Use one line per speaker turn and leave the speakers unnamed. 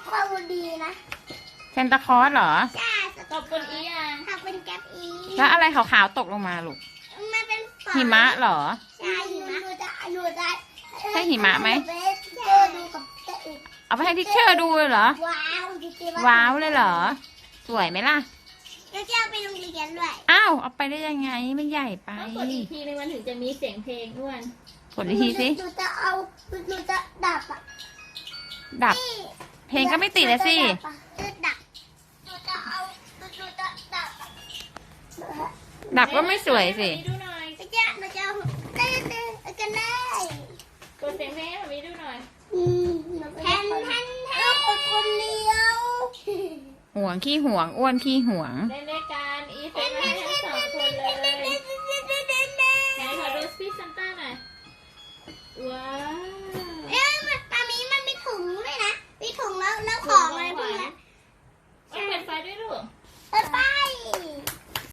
ความดีนะ
เซนตาคลอสเหรอ
ใช่
ขอบคุณอีอ่ะ
ขอบคุณแก๊ปอี
แล้วอะไรขาวๆตกลงมาลูก
มันเป็น
หิมะเหรอ
ใช่หิมะหนูจะ
ใช่หิมะไหม
ดูกับเจ๊อีก
เอาไปให้ทิชเชอร์ดูเลยเหรอ
ว้าวจริงๆ
ว้าวเลยเหรอ สวยไหมล่ะ
แล้วจะเอาไปโรงเรียนด้วย
อ้าวเอาไปได้ยังไงมันใหญ่ไป
ต้องกดอีกทีนึงมันถึงจะมีเสียงเพลงอ้วน
กดอีกทีสิ
หนูจะเอาหนูจะดับอ่ะ
ดับ เพลงก็ไม่ติดเลยสิ
จะดับหนูจะเอาหนูจะดับอะ
ดับก็ไม่สวยสิ
ดูหน่อย
หนูจะเอาเต้นกันได้
กดเสียงเพลงให้แบบนี้ดูหน่อย
แทนคนเดียว
ห่วงขี้ห่วงอ้วนขี้ห่วง
เล่นด้วยกั